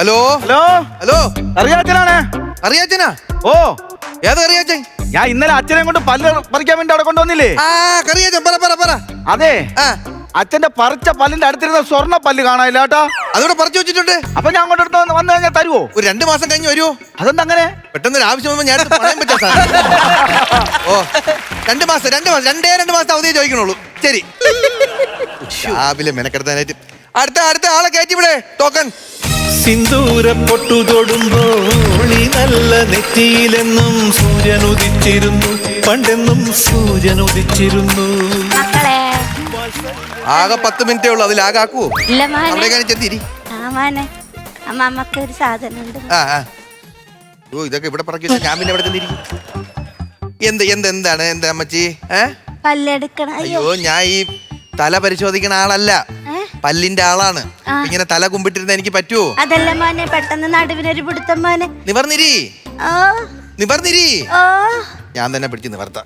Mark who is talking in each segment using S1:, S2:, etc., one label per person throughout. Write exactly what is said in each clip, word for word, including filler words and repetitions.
S1: Hello
S2: hello
S1: hello
S2: അറിയാച്ചനാണ്.
S1: അറിയാച്ചനാ?
S2: ഓ
S1: ഏത് അറിയാച്ചൻ?
S2: ഞാൻ ഇന്നലെ അച്ഛനെ കൊണ്ട് പല്ല് പറിക്കാൻ വേണ്ടി അവിടെ കൊണ്ടുവന്നില്ലേ?
S1: ആ കറിയാച്ചൻ, പറ പറ പറ.
S2: അതെ,
S1: ആ
S2: അച്ഛന്റെ പറിച്ച പല്ലിന്റെ അടുത്തിരുന്ന സ്വർണ്ണ പല്ല് കാണാനില്ല കേട്ടാ.
S1: അതോടെ പറിച്ചു വെച്ചിട്ടുണ്ട്.
S2: അപ്പൊ ഞാൻ അങ്ങോട്ട് എടുത്ത് വന്ന് വന്നു കഴിഞ്ഞാൽ തരുവോ?
S1: ഒരു രണ്ടു മാസം കഴിഞ്ഞ് വരുമോ?
S2: അതെന്താ അങ്ങനെ?
S1: പെട്ടെന്ന് ഒരു ആവശ്യം വന്നപ്പോൾ ഞാൻ എടുത്ത് പറയാൻ പറ്റാ സാർ. ഓ രണ്ട് മാസം രണ്ട് മാസം രണ്ടേ രണ്ട് മാസം അവധിയെ ചോദിക്കണുള്ളൂ. ശരി, രാവിലെ മെനക്കെടുത്താനായിട്ട് അടുത്ത അടുത്ത ആളെ കയറ്റിവിടെ. ടോക്കൺ
S3: സിന്ദൂര പൊട്ടു തൊടുമ്പോൾ ഈ നല്ല നെറ്റിയിലെന്നും സൂര്യൻ ഉദിച്ചിരുന്നു, പണ്ടെന്നും സൂര്യൻ ഉദിച്ചിരുന്നു.
S4: മക്കളെ
S1: ആകെ പത്ത് മിനിറ്റേ ഉള്ളൂ, അതിലാകെ ആക്കുവോ?
S4: ഇല്ല മോനെ.
S1: അവിടേക്കാണ് ചെത്തിരി.
S4: ആ മോനെ, അമ്മമ്മക്ക് ഒരു സാധനം ഉണ്ട്.
S1: ആ ആ ഓ ഇതൊക്കെ ഇവിടെ പറക്കി വെച്ചാൽ ഞാൻ പിന്നെ ഇവിടെ ചെന്നിരിക്കും. എന്ത് എന്ത് എന്താണ് എന്താ അമ്മച്ചി? ഏ
S4: പല്ലെടുക്കണം.
S1: അയ്യോ, ഞാൻ ഈ തല പരിശോധിക്കുന്ന ആളല്ല, പല്ലിന്റെ ആളാണ്. ഇങ്ങനെ തല കുമ്പിട്ടിരുന്ന എനിക്ക് പറ്റുമോ?
S4: അതല്ല മോനെ, പെട്ടെന്ന് നടുവിനൊരു പിടുത്തം മോനെ.
S1: നിവർന്നിരി,
S4: ഓ
S1: നിവർന്നിരി.
S4: ഓ
S1: ഞാൻ തന്നെ പിടിച്ച് നിവർത്താം.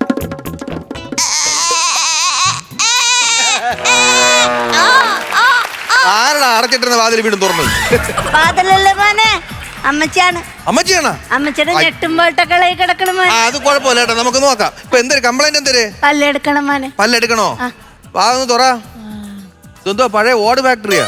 S1: ആരുടെ അടച്ചിട്ടിരുന്ന വാതിൽ വീണ്ടും തുറന്നു?
S4: വാതിലല്ലേ മോനെ, അമ്മച്ചിയാണ്.
S1: അമ്മച്ചിയാണോ?
S4: അമ്മച്ചിയുടെ ഞെട്ടുമ്പോട്ടൊക്കെ കിടക്കണം മോനെ.
S1: ആ അത് കുഴപ്പമില്ല കേട്ടോ, നമുക്ക് നോക്കാം. ഇപ്പൊ എന്തൊരു കംപ്ലൈന്റ് എന്തര്?
S4: പല്ലെടുക്കണം മോനെ.
S1: പല്ലെടുക്കണോ? വാ ഒന്ന് തുറ. ഇതെന്തോ പഴയ ഓട് ഫാക്ടറിയാ?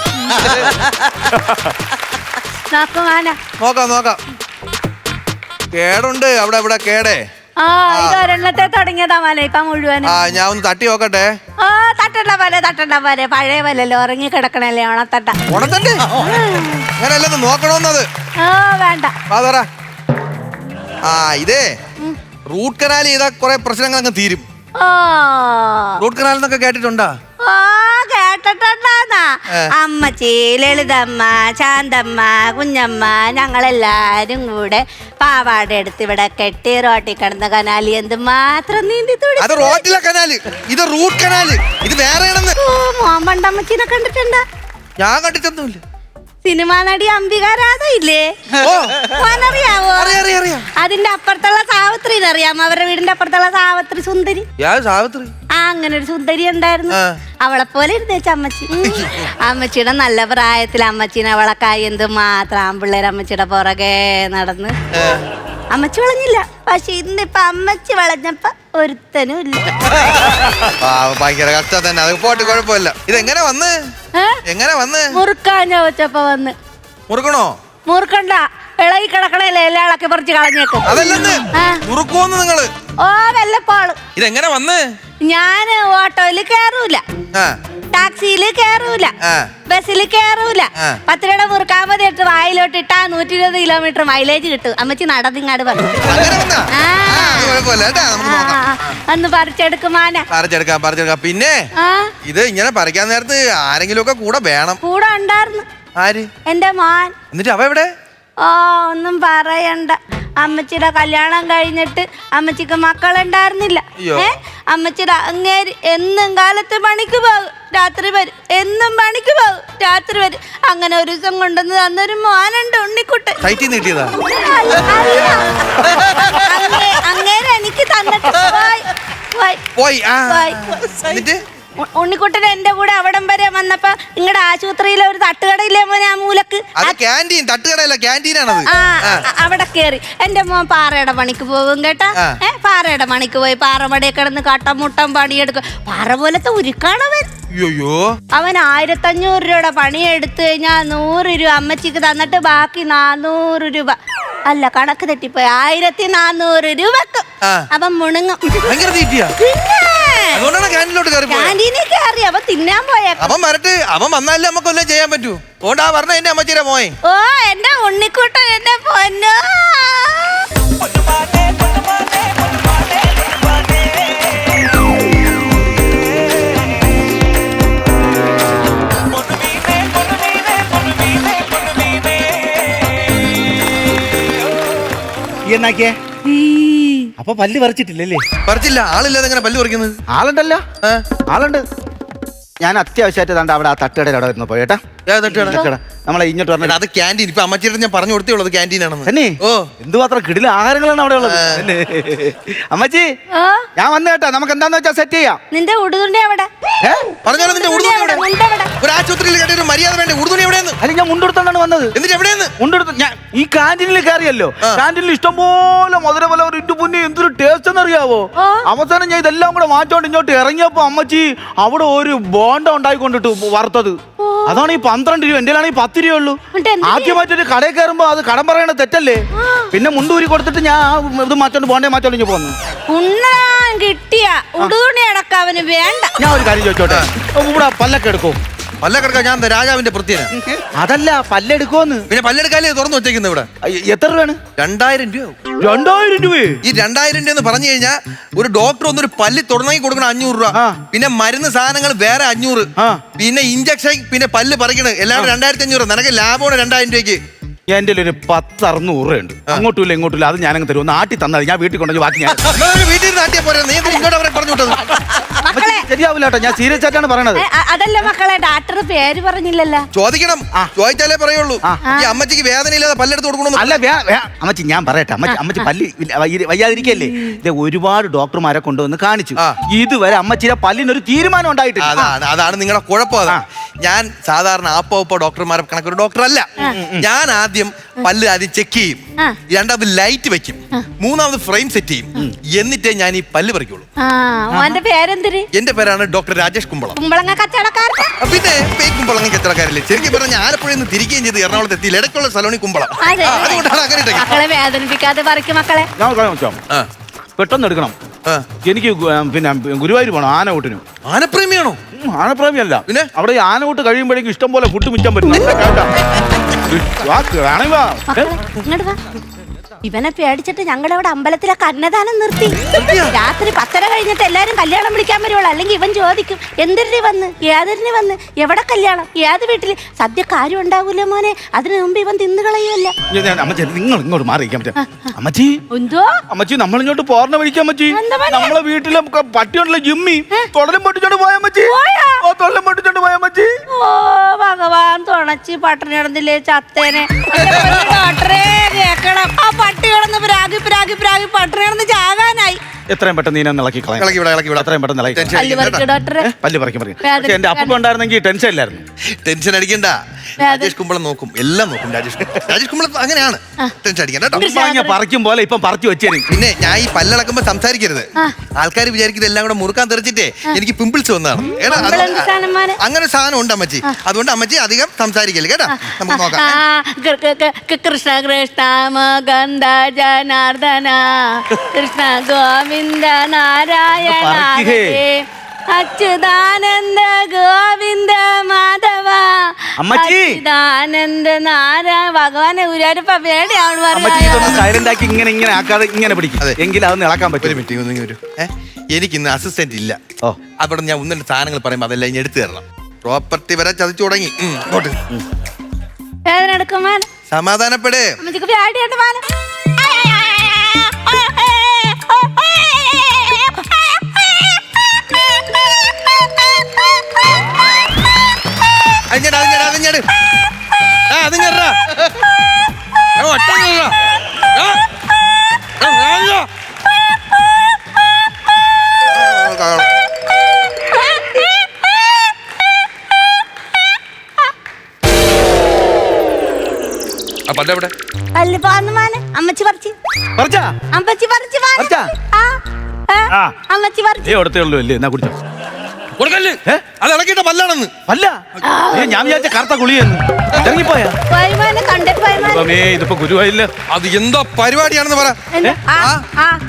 S4: നോക്കും മോനെ.
S1: നോക്കാം നോക്കാം. കേടുണ്ട് അവിടെ ഇവിടെ കേടേ.
S4: ആ ഇത് ഒരെണ്ണത്തെ തുടങ്ങിയതാ മോനെ, ഇപ്പൊ മുഴുവനും.
S1: ആ ഞാൻ ഒന്ന് തട്ടി നോക്കട്ടെ.
S4: ആ തട്ടണ്ട പോലെ തട്ടണ്ട പോലെ, പഴയ പോലല്ലോ ഉറങ്ങി കിടക്കണല്ലേ ഓണത്തട്ട.
S1: ഓണത്തണ്ട് അങ്ങനെയല്ലെന്ന് നോക്കണോന്നത്.
S4: ആ വേണ്ട.
S1: വാ തുറ. ആ ഇതേ റൂട്ട് കനാൽ ചെയ്താ കുറെ പ്രശ്നങ്ങൾ അങ്ങ് തീരും.
S4: ഓ
S1: റൂട്ട് കനാൽ എന്നൊക്കെ കേട്ടിട്ടുണ്ടാ?
S4: ഓ കേട്ടിട്ടുണ്ടാന്നാ. അമ്മച്ചി, ലളിതമ്മ, ശാന്തമ്മ, കുഞ്ഞമ്മ ഞങ്ങളെല്ലാരും കൂടെ പാവാട എടുത്ത് ഇവിടെ കെട്ടി റോട്ടി കിടന്ന കനാലി എന്ത് മാത്രം നീന്തി തുടി.
S1: അത് റോട്ടിലെ കനാല്, ഇത് റൂട്ട് കനാല്, ഇത് വേറെയാണെന്ന്.
S4: ഓ മോൻ പണ്ടമ്മച്ചിനെ കണ്ടിട്ടുണ്ടാ?
S1: ഞാൻ കണ്ടിട്ടൊന്നുമില്ല.
S4: സിനിമാ നടി അംബികാരാധ ഇല്ലേ?
S1: ഓ
S4: മോനറിയാവോ?
S1: അറിയാം അറിയാം അറിയാം.
S4: അതിന്റെ അപ്പുറത്തുള്ള സാവിത്രിനെ അറിയാമോ? അവരുടെ വീടിന്റെ അപ്പുറത്തുള്ള സാവിത്രി സുന്ദരി.
S1: യാ സാവിത്രി.
S4: ആ അങ്ങനെ ഒരു സുന്ദരി ഉണ്ടായിരുന്നു.
S1: ആ.
S4: അവളെ പോലെ ഇരുന്നേച്ച അമ്മച്ചി. അമ്മച്ചിയുടെ നല്ല പ്രായത്തിൽ അമ്മച്ചീനെ അവളക്കായി എന്ത് മാത്രം ആമ്പിള്ളേർ അമ്മച്ചിയുടെ പുറകെ നടന്ന്. അമ്മച്ചി വളഞ്ഞില്ല, പക്ഷെ ഇന്നിപ്പൊ അമ്മച്ചി വളഞ്ഞപ്പോ ഒരുത്തനും ഇല്ല.
S1: ഭയങ്കര കഷ്ടം തന്നെ. അത് പോട്ട് കുഴപ്പമില്ല. ഇതെങ്ങനെ വന്ന് എങ്ങനെ വന്ന്?
S4: മുറുക്കാൻ ചോദിച്ചപ്പോ വന്ന്.
S1: മുറുക്കണോ?
S4: മുറുക്കണ്ട, ഇളകി കിടക്കണല്ലേ എല്ലാം ഇളക്കി പറിച്ച് കളഞ്ഞേക്കും.
S1: അതല്ലെന്ന് മുറുക്കുവോന്ന് നിങ്ങള്?
S4: ഓ വല്ലപ്പോള്.
S1: ഇതെങ്ങനെ വന്ന്?
S4: ഞാന് ഓട്ടോയില് കേറൂല, ടാക്സിയില് കേറൂല, ബസ്സിൽ കേറൂല. പത്ത് രൂപ മുറുക്കാൻ മതി ഇട്ട് വായിലോട്ട് ഇട്ടാ നൂറ്റി ഇരുപത് കിലോമീറ്റർ മൈലേജ് കിട്ടും. അമ്മച്ചി നടന്നിങ്ങാട് പറഞ്ഞു. ഒന്ന് പറിച്ചെടുക്കുമാന.
S1: പറിച്ചെടുക്കാം പറിച്ചെടുക്കാം. പിന്നെ ഇത് ഇങ്ങനെ പറിക്കാൻ നേരത്ത് ആരെങ്കിലും ഒക്കെ കൂടെ വേണം.
S4: കൂടെ ഉണ്ടായിരുന്നു.
S1: ആര്?
S4: എന്റെ മോൻ.
S1: എന്നിട്ട് അവ എവിടെ?
S4: ഓ ഒന്നും പറയണ്ട. അമ്മച്ചിയുടെ കല്യാണം കഴിഞ്ഞിട്ട് അമ്മച്ചിക്ക് മക്കളുണ്ടായിരുന്നില്ല. ഏ അമ്മച്ചിയുടെ അങ്ങേര് എന്നും കാലത്ത് പണിക്ക് പോകും, രാത്രി വരും. എന്നും പണിക്ക് പോകും, രാത്രി വരും. അങ്ങനെ ഒരു ദിവസം കൊണ്ടുവന്ന് തന്നൊരു മോനുണ്ട്, ഉണ്ണിക്കുട്ടൻ. അങ്ങേര് എനിക്ക് തന്നിട്ട് പോയി. ഉണ്ണിക്കുട്ടൻ എന്റെ കൂടെ അവിടം വരെ വന്നപ്പോ നിങ്ങളുടെ ആശുപത്രിയിലെ ഒരു തട്ടുകടയില്ലേ മോനെ, ആ മൂലക്ക് അവിടെ കേറി എന്റെ മോൻ പാറയുടെ പണിക്ക് പോകും കേട്ടാ. ഏ പാറയുടെ പണിക്ക് പോയി പാറമടയെ കിടന്ന് കട്ടമുട്ടം പണിയെടുക്കും. പാറ പോലത്തെ ഉരുക്കാണവൻ. അവൻ ആയിരത്തഞ്ഞൂറ് രൂപയുടെ പണി എടുത്തു കഴിഞ്ഞാൽ നൂറ് രൂപ അമ്മച്ചിക്ക് തന്നിട്ട് ബാക്കി നാനൂറ് രൂപ അല്ല കണക്ക് തെറ്റിപ്പോയി ആയിരത്തി നാനൂറ് രൂപക്ക് അവൻ മുണുങ്ങും. ക്യാന്റീനിൽ കയറി അവൻ തിന്നാൻ പോയ.
S1: അവൻ വരട്ടെ, അവൻ വന്നാലേ നമുക്കൊന്നും ചെയ്യാൻ പറ്റൂ. ഓണ്ടാ പറഞ്ഞ എന്റെ അമ്മച്ചിയുടെ മോയെ.
S4: ഓ എന്റെ ഉണ്ണിക്കുട്ടൻ എന്റെ പൊന്നോ.
S2: എന്നാക്കിയേ അപ്പൊ പല്ല് പറിച്ചിട്ടില്ലല്ലേ?
S1: പറിച്ചില്ല. ആളില്ലാതെ എങ്ങനെ പല്ല് പറിക്കുന്നത്?
S2: ആളുണ്ടല്ലോ, ആളുണ്ട്. ഞാൻ അത്യാവശ്യമായിട്ട് തണ്ട അവിടെ ആ തട്ടുകടയിൽ അവിടെ വരുന്നു പോയേട്ടാ. നമ്മളെ ഇങ്ങോട്ട് പറഞ്ഞ
S1: അത് ക്യാൻറ്റീൻ. ഇപ്പൊ അമ്മച്ചിയുടെ ഞാൻ പറഞ്ഞു കൊടുത്തേ ഉള്ളത് ക്യാൻറ്റീൻ ആണെന്ന്.
S2: തന്നെ
S1: ഓ
S2: എന്തുമാത്രം കിടില ആഹാരങ്ങളാണ് അവിടെ ഉള്ളത്. അമ്മച്ചി
S4: ഓ
S2: ഞാൻ വന്നു കേട്ടാ, നമുക്ക് എന്താന്ന് വെച്ചാൽ സെറ്റ് ചെയ്യാം.
S4: നിന്റെ ഉടുതുണ്ടി എവിടെ?
S2: ഏ?
S1: പറഞ്ഞാലും നിന്റെ ഉടുതുണി എവിടെ?
S4: മുണ്ട് എവിടെ?
S1: ഒരു ആശുപത്രിയിൽ കേട്ട ഒരു മര്യാദ വേണ്ടേ? ഉടുതുണി എവിടെയെന്ന്?
S2: അല്ല ഞാൻ മുണ്ടെടുത്തോണ്ടാണ് വന്നത്.
S1: എന്നിട്ട് എവിടെയെന്ന്?
S2: മുണ്ടെടുത്ത് ഞാൻ ഈ കാന്റീനിൽ കയറിയല്ലോ.
S1: ആ.
S2: കാന്റീനിൽ ഇഷ്ടംപോലെ മധുരപല ഒരു ഇട്ടു പുന്നി എന്തൊരു ടേസ്റ്റ് എന്നറിയാവോ.
S4: ഓ.
S2: അവസാനം ഞാൻ ഇതെല്ലാം കൂടെ മാറ്റോണ്ട് ഇങ്ങോട്ട് ഇറങ്ങിയപ്പോ അമ്മച്ചി അവിടെ ഒരു ബോണ്ട ഉണ്ടായിക്കൊണ്ടിട്ടു വറുത്തത്. അതാണ് ഈ പന്ത്രണ്ട് രൂപ, എന്റെ ആണെങ്കിൽ പത്ത് രൂപ ഉള്ളൂ.
S4: എന്നിട്ട് എന്ത്
S2: ആദ്യമായിട്ടൊരു കടയിൽ കയറുമ്പോ അത് കടം പറയണ തെറ്റല്ലേ. പിന്നെ മുണ്ടൂരി കൊടുത്തിട്ട് ഞാൻ ആ ഇത് മാറ്റോണ്ട് ബോണ്ടേ മാറ്റോണ്ട് ഇങ്ങനെ പോന്നു.
S4: ഉണ്ണാൻ കിട്ടിയ ഉടുതുണി അടക്ക അവന് വേണ്ട.
S2: ഞാൻ ഒരു കാര്യം ചോദിച്ചോട്ടെ, ഇവിടെ പല്ലൊക്കെ എടുക്കോ?
S1: പല്ല കിടക്കാം. ഞാൻ എന്താ രാജാവിന്റെ പ്രത്യേക?
S2: അതല്ല പല്ലെടുക്കോന്ന്.
S1: പിന്നെ പല്ലെടുക്കാലേ തുറന്നു വെച്ചേക്കുന്നത് ഇവിടെ.
S2: അയ്യ, എത്ര രൂപയാണ്?
S1: രണ്ടായിരം രൂപ.
S2: രണ്ടായിരം രൂപ.
S1: ഈ രണ്ടായിരം രൂപ എന്ന് പറഞ്ഞു കഴിഞ്ഞാൽ ഒരു ഡോക്ടർ ഒന്നൊരു പല്ല് തുടങ്ങി കൊടുക്കണം അഞ്ഞൂറ് രൂപ.
S2: ആ.
S1: പിന്നെ മരുന്ന് സാധനങ്ങൾ വേറെ അഞ്ഞൂറ്.
S2: ആ.
S1: പിന്നെ ഇഞ്ചക്ഷൻ, പിന്നെ പല്ല് പറിക്കണത് എല്ലാം കൂടെ രണ്ടായിരത്തി അഞ്ഞൂറ്. നിനക്ക് ലാഭമാണ് രണ്ടായിരം രൂപയ്ക്ക്.
S2: എന്റെ ഒരു പത്ത് അറുന്നൂറ് രൂപ ഉണ്ട്. അങ്ങോട്ടും ഇല്ല ഇങ്ങോട്ടും ഇല്ല. അത് ഞാനങ്ങ് തരും. ഒന്ന് ആട്ടി തന്നാൽ ഞാൻ വീട്ടിൽ കൊണ്ടുപോയി ബാക്കി ഞാൻ
S1: നിങ്ങള് വീട്ടിൽ നാട്ടിയെ പോരാ. നീ എന്തിനാ ഇങ്ങോട്ട് അവരെ പറഞ്ഞു വിട്ടത്?
S4: മക്കളെ
S2: ശരിയാവില്ല കേട്ടോ, ഞാൻ സീരിയസ് ആയിട്ടാണ് പറയണത്.
S4: ഏ, അ- അതല്ല മക്കളെ, ഡാക്ടർ പേര് പറഞ്ഞില്ലല്ലോ.
S1: ചോദിക്കണം.
S2: ആ.
S1: ചോദിച്ചാലേ പറയുള്ളൂ.
S2: ആ.
S1: ഈ അമ്മച്ചിക്ക് വേദന ഇല്ലാതെ പല്ലെടുത്ത് കൊടുക്കണം.
S2: അല്ല വേ- വേ- അമ്മച്ചി ഞാൻ പറയട്ടെ, അമ്മച്ചി അമ്മച്ചി പല്ലി ഇല്ല, വയ്യ- വയ്യാതിരിക്കല്ലേ. ഇത് ഒരുപാട് ഡോക്ടർമാരെ കൊണ്ടുവന്ന് കാണിച്ചു.
S1: ആ.
S2: ഇതുവരെ അമ്മച്ചിയുടെ പല്ലിനൊരു തീരുമാനം ഉണ്ടായിട്ടില്ല.
S1: അതാണ് അതാണ് നിങ്ങളുടെ കുഴപ്പം. അത്
S2: ആ.
S1: ഞാൻ സാധാരണ ആപ്പോ ഉപ്പോ ഡോക്ടർമാരെ കണക്കൊരു ഡോക്ടർ അല്ല. ഞാൻ ആദ്യം പല്ല് ആദ്യം ചെക്ക് ചെയ്യും,
S4: ആ.
S1: രണ്ടാമത് ലൈറ്റ് വെക്കും, മൂന്നാമത് ഫ്രെയിം സെറ്റ് ചെയ്യും, എന്നിട്ടേ ഞാൻ ഈ പല്ല് പറിക്കുള്ളൂ.
S4: ആ ഓന്റെ പേരെന്തിര്?
S1: എന്റെ പേരാണ് ഡോക്ടർ രാജേഷ് കുമ്പളം.
S4: കുമ്പളങ്ങ കച്ചവടക്കാരൻ.
S1: ആ, പിന്നെ പേര് കുമ്പളങ്ങി കച്ചവടക്കാരില്ലേ. ശരിക്കും പറഞ്ഞ ആലപ്പുഴയിൽ നിന്ന് തിരികെയും ചെയ്ത് എറണാകുളത്ത് എത്തി ഇടയ്ക്കുള്ള സലോണി കുമ്പളം.
S4: അതെ.
S1: ആ, അതുകൊണ്ടാണ് അങ്ങനെ ഇട്ടേക്കുന്നത്.
S4: മക്കളെ വേദനിപ്പിക്കാതെ പറിക്കും മക്കളെ.
S2: ഞാൻ ഒരു കാര്യം ചോദിച്ചോ?
S1: ആ,
S2: പെട്ടെന്ന് എടുക്കണം.
S1: ആ.
S2: എനിക്ക് ഗു- പിന്നെ ഗുരുവായൂർ പോകണം ആനകൂട്ടിനും.
S1: ആനപ്രേമിയാണോ?
S2: ഉം, ആനപ്രേമിയല്ല.
S1: പിന്നെ?
S2: അവിടെ ഈ ആനകൂട്ട് കഴിയുമ്പോഴേക്കും ഇഷ്ടം പോലെ ഫുഡ് മിച്ചാൻ പറ്റും. നല്ല കേട്ടാ. വാ, കാണുക.
S4: മക്കളെ ഇങ്ങോട്ട് വാ. ഇവനെ പേടിച്ചിട്ട് ഞങ്ങളുടെ അവിടെ അമ്പലത്തിലൊക്കെ അന്നദാനം നിർത്തി. രാത്രി പത്തര കഴിഞ്ഞിട്ട് എല്ലാരും കല്യാണം വിളിക്കാൻ വരുവുള്ളൂ. അല്ലെങ്കിൽ ഇവൻ ചോദിക്കും എന്തിന് വന്ന്, ഏതിന് വന്ന്, എവിടെ കല്യാണം, ഏത് വീട്ടില് സദ്യ കാര്യം ഉണ്ടാവൂലേ മോനെ. അതിനു മുമ്പ് ഇവൻ തിന്നു കളയുമല്ല.
S2: ഞാൻ- ഞാൻ- അമ്മച്ചി നിങ്ങൾ ഇങ്ങോട്ട് മാറിയിരിക്കാൻ പറ്റും. അമ്മച്ചി
S4: എന്തോ
S2: അമ്മച്ചി നമ്മൾ ഇങ്ങോട്ട് പോർണ വിളിക്കാൻ അമ്മച്ചി.
S4: എന്താ പണി?
S2: നമ്മളെ വീട്ടിലെ ക- പട്ടിയുണ്ടല്ലോ ജിമ്മി, തൊടലും പൊട്ടിച്ചോണ്ട് പോയ അമ്മച്ചി.
S4: പോയോ?
S2: ഓ തൊടലും പൊട്ടിച്ചോണ്ട് പോയ അമ്മച്ചി.
S4: ഓ ഭഗവാൻ, തുണച്ച് പട്ടിണി കിടന്നില്ലേ ചത്തേനെ. ഡോക്ടറെ കേക്കണം, ആ പട്ടി കിടന്ന് പ്രാഗി പ്രാഗി പ്രാഗി പട്ടിണി കിടന്ന് ചാകാനായി.
S2: എത്രയും പെട്ടെന്ന് നീനെ ഇളക്കി കളയാം.
S1: ഇളക്കി വിടാം, ഇളക്കി വിടാം.
S2: എത്രയും പെട്ടെന്ന് ഇളക്കി
S1: ടെൻഷൻ
S4: പല്ല്
S1: അടിക്കണ്ട
S4: പറിക്ക് ഡോക്ടറെ.
S2: പല്ല് പറിക്കും പറയും.
S4: വേദന-
S2: പക്ഷെ എന്റെ അപ്പൂപ്പ ഉണ്ടായിരുന്നെങ്കിൽ ടെൻഷൻ ഇല്ലായിരുന്നു.
S1: ടെൻഷൻ അടിക്കണ്ട. രാജേഷ് കുമ്പളം നോക്കും, എല്ലാം നോക്കും. രാജേഷ് രാജേഷ് കുമ്പളം അങ്ങനെയാണ്. ടെൻഷൻ അടിക്കണ്ട കേട്ടോ.
S2: കുമ്പളങ്ങ പറിക്കും പോലെ ഇപ്പം പറിച്ചു വെച്ചേരും.
S1: പിന്നെ ഞാൻ ഈ പല്ലളക്കുമ്പോ സംസാരിക്കരുത്. ആൾക്കാർ വിചാരിക്കുന്നത് എല്ലാം കൂടെ മുറുക്കാൻ തെറിച്ചിട്ടേ എനിക്ക് പിമ്പിൾസ് വന്നതാണ്. എടാ, അത്
S4: പിമ്പിൾ എന്ത് സാധനം മോനെ?
S1: അങ്ങനെ ഒരു സാധനം ഉണ്ട് അമ്മച്ചി. അതുകൊണ്ട് അമ്മച്ചി അധികം സംസാരിക്കല്ലേ കേട്ടാ. നമുക്ക് നോക്കാം.
S4: ആ, കൃ- കൃ- കൃ- കൃ- കൃഷ്ണ കൃഷ്ണ മകന്ദ ജനാർദ്ദന കൃഷ്ണ ഗോവിന്ദ നാരായണ
S2: പറിക്കുകേ.
S4: ഹരേ, അച്യുതാനന്ദ ഗോവിന്ദ മാധവ
S2: അമ്മച്ചി.
S4: അച്യുതാനന്ദ നാരായണ. ഭഗവാനെ ഗുരുവായൂരപ്പ പേടിയാണ്
S2: അമ്മച്ചി ഇതൊന്ന് സൈലന്റ് ആക്കി ഇങ്ങനെ ഇങ്ങനെ ആക്കാതെ ഇങ്ങനെ പിടിക്കും.
S1: അതെ.
S2: എങ്കിൽ അതൊന്ന് ഇളക്കാൻ
S1: ഒരു
S2: പറ്റും.
S1: മിനിറ്റ് ഒന്ന് വരൂ. ഏഹ് എനിക്ക് ഇന്ന് അസിസ്റ്റന്റ് ഇല്ല.
S2: ഓ.
S1: അവിടെ ഞാൻ ഒന്നിന്റെ സാധനങ്ങൾ പറയുമ്പോൾ അതെല്ലാം ഇനി എടുത്തു തരണം. പ്രോപ്പർട്ടി വരെ ചതിച്ചു തുടങ്ങി. ഉം, ഇങ്ങോട്ട്.
S4: വേദന എടുക്കും മാന.
S1: സമാധാനപ്പെടേ.
S4: അമ്മച്ചിക്ക് പേടിയുണ്ട് മാന.
S1: അതിഞ്ഞട് അതിഞ്ഞട് അതിഞ്ഞട് ആ അതിഞ്ഞടാ ഒറ്റ പല്ല എവിടെ?
S4: അല്ല പാന്ന് മാന. അമ്മച്ചി പറിച്ച്
S2: പറിച്ചാ?
S4: അമ്മച്ചി പറിച്ച് മാന.
S2: പറിച്ചാ?
S4: ആ, ആ,
S2: ആ.
S4: അമ്മച്ചി പറിച്ച്.
S2: ഏ കൊടുത്തേ ഉള്ളൂ അല്ലേ? എന്നാ കുടിച്ചോ.
S1: കൊടുക്കല്ലേ?
S2: ഏ?
S1: അത് ഇളക്കിയിട്ട പല്ലാണെന്ന്.
S2: അല്ല ഏ, ഞാൻ വിചാരിച്ച കറുത്ത കുളിയെന്ന്. ഇറങ്ങിപ്പോയാ?
S4: പോയ്മാനെ കണ്ടിട്ട് പോയ്മാനെ.
S2: ദൈവമേ, ഇതിപ്പോ ഗുരുവായില്ല.
S1: അത് എന്താ പരിപാടിയാണെന്ന് പറ.
S4: എന്താ? ആ,
S1: ആ?
S4: ആ.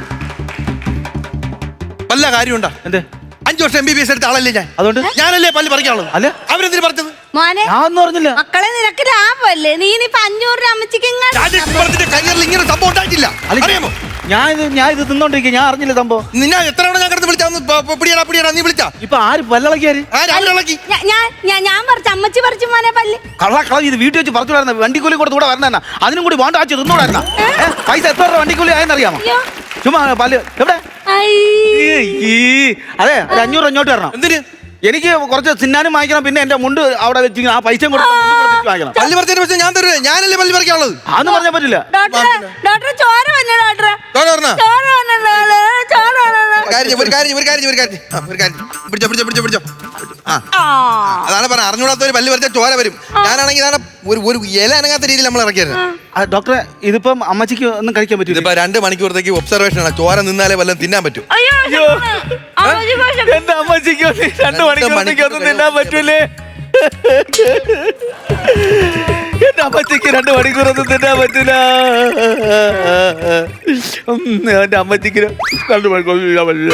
S1: വല്ല കാര്യമുണ്ടാ?
S2: എന്ത്?
S1: അഞ്ചു വർഷം എം ബി ബി എസ് എടുത്ത ആളല്ലേ ഞാൻ.
S2: അതുകൊണ്ട്
S1: ഞാനല്ലേ പല്ല് പറിക്കാനുള്ളത്.
S2: അല്ല.
S1: അവരെന്തിനു പറിച്ചത്?
S4: മോനെ
S2: ഞാൻ ഒന്നും പറഞ്ഞില്ല.
S4: മക്കളെ നിനക്ക് ലാഭമല്ലേ? നീ ഇനിയിപ്പൊ അഞ്ഞൂറ് രൂപ അമ്മച്ചിക്ക് ഇങ്ങോട്ട്
S1: രാജേഷ് കുമ്പളത്തിന്റെ കരിയറിൽ ഇങ്ങനെ സംഭവം ഉണ്ടായിട്ടില്ല.
S2: അല്ല,
S1: അറിയാമോ?
S2: ഞാൻ ഇത് ഞാൻ ഇത് തിന്നോണ്ടിരിക്കുക. ഞാൻ അറിഞ്ഞില്ല സംഭവം.
S1: നിന്നെ എത്ര തവണ ഞാൻ കിടന്ന് വിളിച്ചാന്ന് പിടിയടാ പിടിയടാ നീ വിളിച്ചാ
S2: ഇപ്പൊ ആര് പല്ലളക്കിയാര്?
S1: ആ രാവിലെ ഇളക്കി.
S4: ഞാ- ഞാൻ ഞാൻ- ഞാൻ പറിച്ചു, അമ്മച്ചി പറിച്ചു മോനെ പല്ല്.
S2: കള്ള കള ഇത് വീട്ടിൽ വെച്ച് പറിച്ചുകൂടായിരുന്ന വണ്ടിക്കൂലി കൊടുത്ത് കൂടെ വരണ അതിനും കൂടി വേണ്ട ആച്ച് തിന്നൂടായിരുന്ന പൈസ എത്ര രൂപ വണ്ടിക്കൂലി ആയെന്നറിയാമോ?
S4: അയ്യോ.
S2: ചുമ്മാ പല്ല് എവിടെ?
S4: ഐ.
S2: ഈ, ഈ, അതെ ഒരു അഞ്ഞൂറ് അഞ്ഞോട്ട് വരണം.
S1: എന്തിന്?
S2: എനിക്ക് കുറച്ച് തിന്നാനും വാങ്ങിക്കണം, പിന്നെ എന്റെ മുണ്ട് അവിടെ വെച്ച് ആ പൈസ കൊടുത്ത് മുണ്ട് കൊടുത്തിട്ട് വാങ്ങിക്കണം.
S1: പല്ല് പറിച്ചതിന് പക്ഷേ ഞാൻ തരുവേ, ഞാനല്ലേ പല്ല് പറിക്കാനുള്ളത്.
S2: അതൊന്നും പറഞ്ഞാൽ പറ്റില്ല.
S4: ഡോക്ടറെ ഡോക്ടറെ ചോര വന്നു ഡോക്ടറെ,
S1: ചോര പറഞ്ഞോ?
S4: ചോര വന്നു ചോര വന്നു.
S1: കാര്യം ചെയ്യ്, ഒരു കാര്യം ചെയ്യ്, ഒരു കാര്യം ചെയ്യ്, ഒരു കാര്യം ചെയ്യ്. ആ, ഒരു കാര്യം ചെയ്യ്. പിടിച്ചോ പിടിച്ചോ പിടിച്ചോ പിടിച്ചോ. ആ
S4: ആ
S1: അതാണ് പറഞ്ഞ അറിഞ്ഞൂടാത്ത ഒരു പല്ല് പറിച്ചാൽ ചോര വരും. ഞാനാണെങ്കിൽ ഇതാണ് ഒരു ഒരു ഇല അനങ്ങാത്ത രീതിയിൽ നമ്മൾ ഇറക്കിയായിരുന്നു.
S2: ആ, ഡോക്ടറെ ഇതിപ്പം അമ്മച്ചിക്ക് ഒന്നും കഴിക്കാൻ പറ്റില്ല.
S1: ഇതിപ്പോ രണ്ട് മണിക്കൂറത്തേക്ക് ഒബ്സർവേഷൻ ആണ്. ചോര നിന്നാലേ വല്ലതും തിന്നാൻ പറ്റും.
S4: അയ്യോ അമ്മച്ചി വിശക്കുന്നു.
S2: എന്റെ അമ്മച്ചിക്ക് രണ്ട് മണിക്കൂറത്തേക്ക് ഒന്നും തിന്നാൻ പറ്റൂലേ? എന്റെ അമ്മച്ചിക്ക് രണ്ട് മണിക്കൂറൊന്നും തിന്നാൻ പറ്റൂല. ഉം, എന്റെ അമ്മച്ചിക്ക് രണ്ട് മണിക്കൂർ തിന്നാൻ പറ്റില്ല.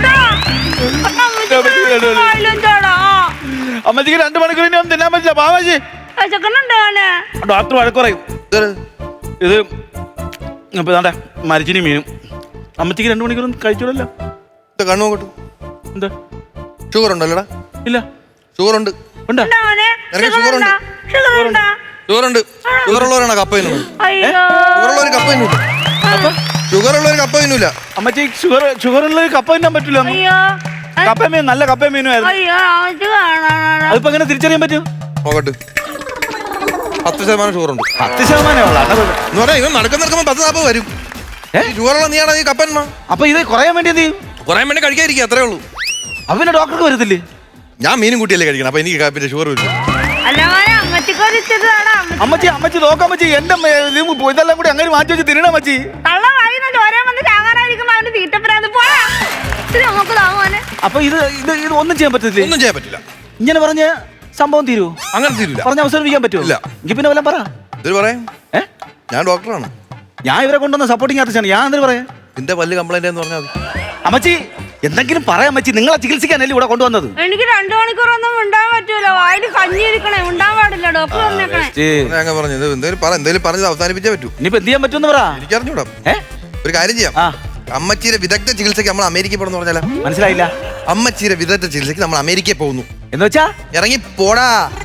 S2: അമ്മച്ചിക്ക് രണ്ട് മണിക്കൂർ ഇനി ഒന്നും തിന്നാൻ പറ്റില്ല. പാവാജി ഡോക്ടർ വഴക്ക് പറയും. ഇത് ഇപ്പൊ ഇതാണ്ടെ മരിച്ചിനി മീനും. അമ്മച്ചിക്ക് രണ്ട് മണിക്കൂറൊന്നും കഴിച്ചോളല്ലോ.
S1: കണ്ണു നോക്കട്ടു.
S2: എന്താ
S1: ഷുഗർ ഉണ്ടല്ലോടാ?
S2: ഇല്ല.
S1: ഷുഗർ ഉണ്ട്.
S2: ഉണ്ടോ?
S1: നിനക്ക് ഷുഗർ ഉണ്ട്. ഷുഗർ ഉണ്ട്. ഷുഗർ ഉള്ളവരാണ് കപ്പ തിന്നുന്നത്. ഷുഗർ ഉള്ളവർ കപ്പ തിന്നൂല. ഷുഗർ ഉള്ളവർ കപ്പ തിന്നൂല.
S2: അമ്മച്ചി ഷുഗർ ഷുഗർ ഉള്ളത് കപ്പ തിന്നാൻ പറ്റൂല. കപ്പ മീൻ നല്ല കപ്പ മീനുമായിരുന്നു. അതിപ്പോ എങ്ങനെ തിരിച്ചറിയാൻ പറ്റും?
S1: നോക്കട്ട്. പത്ത് ശതമാനം ഷുഗർ ഉണ്ട്.
S2: പത്ത് ശതമാനമേ ഉള്ളൂ.
S1: എന്ന് പറഞ്ഞാൽ ഇവൻ നടക്കുന്ന നടക്കുമ്പോൾ പത്ത് നാൽപ്പത് വരും. ഷുഗറുള്ള നീയാണ് ഈ കപ്പന്മാ.
S2: അപ്പൊ ഇത് കുറയാൻ വേണ്ടി എന്ത് ചെയ്യും?
S1: കുറയാൻ വേണ്ടി കഴിക്കാതിരിക്കുക, അത്രേ ഉള്ളൂ.
S2: അപ്പൊ പിന്നെ ഡോക്ടർക്ക് വരത്തില്ലേ?
S1: ഞാൻ മീനും കൂട്ടിയല്ലേ കഴിക്കണം. അപ്പൊ എനിക്ക് പിന്നെ ഷുഗർ വരും.
S2: അമ്മച്ചി അമ്മച്ചി നോക്കാമ്മച്ചി എന്റെ മേ- ഇത് ഇതെല്ലാം കൂടി അങ്ങനെ മാറ്റി വെച്ച് തിന്നണ അമ്മച്ചി. അപ്പൊ ഇത് ഇത് ഇത് ഒന്നും ചെയ്യാൻ പറ്റത്തില്ലേ?
S1: ഒന്നും ചെയ്യാൻ പറ്റില്ല.
S2: ഇങ്ങനെ പറഞ്ഞ സംഭവം തീരുവോ?
S1: അങ്ങനെ തീരില്ല.
S2: പറഞ്ഞ അവസാനിപ്പിക്കാൻ പറ്റുമോ?
S1: ഇല്ല.
S2: എങ്കിൽ പിന്നെ വല്ലതും പറ.
S1: ഇത് പറയാം,
S2: ഏ
S1: ഞാൻ ഡോക്ടറാണ്.
S2: ഞാൻ ഇവരെ കൊണ്ടുവന്ന സപ്പോർട്ടിങ് ആർട്ടിസ്റ്റാണ്. ഞാൻ എന്തിനു പറയാ?
S1: നിന്റെ പല്ല് കംപ്ലൈന്റ് എന്ന് പറഞ്ഞാൽ മതി.
S2: അമ്മച്ചി എന്തെങ്കിലും പറയാം അമ്മച്ചി. നിങ്ങളെ ചികിത്സിക്കാനല്ലേ ഇവിടെ കൊണ്ടുവന്നത്?
S4: എനിക്ക് രണ്ടു മണിക്കൂറൊന്നും ഉണ്ടാൻ പറ്റൂല. വായിൽ കഞ്ഞി ഇരിക്കണേ, ഉണ്ടാൻ പാടില്ല. ഡോക്ടർ പറഞ്ഞേക്കണേ.
S1: ഞാൻ പറഞ്ഞു എന്തെങ്കിലും പറ, എന്തെങ്കിലും പറഞ്ഞത് അവസാനിപ്പിച്ചേ പറ്റൂ.
S2: ഇനിയിപ്പോ എന്ത് ചെയ്യാൻ പറ്റുമെന്ന് പറ.
S1: എനിക്കറിഞ്ഞൂടാ.
S2: ഏ
S1: ഒരു കാര്യം ചെയ്യാം.
S2: ആ
S1: അമ്മച്ചീരെ വിദഗ്ധ ചികിത്സയ്ക്ക് നമ്മൾ അമേരിക്കയിൽ പോകണമെന്ന് പറഞ്ഞാലോ?
S2: മനസ്സിലായില്ല.
S1: അമ്മച്ചീരെ വിദഗ്ധ ചികിത്സയ്ക്ക് നമ്മൾ അമേരിക്കയിൽ പോകുന്നു
S2: എന്ന് വെച്ചാ
S1: ഇറങ്ങി പോടാ.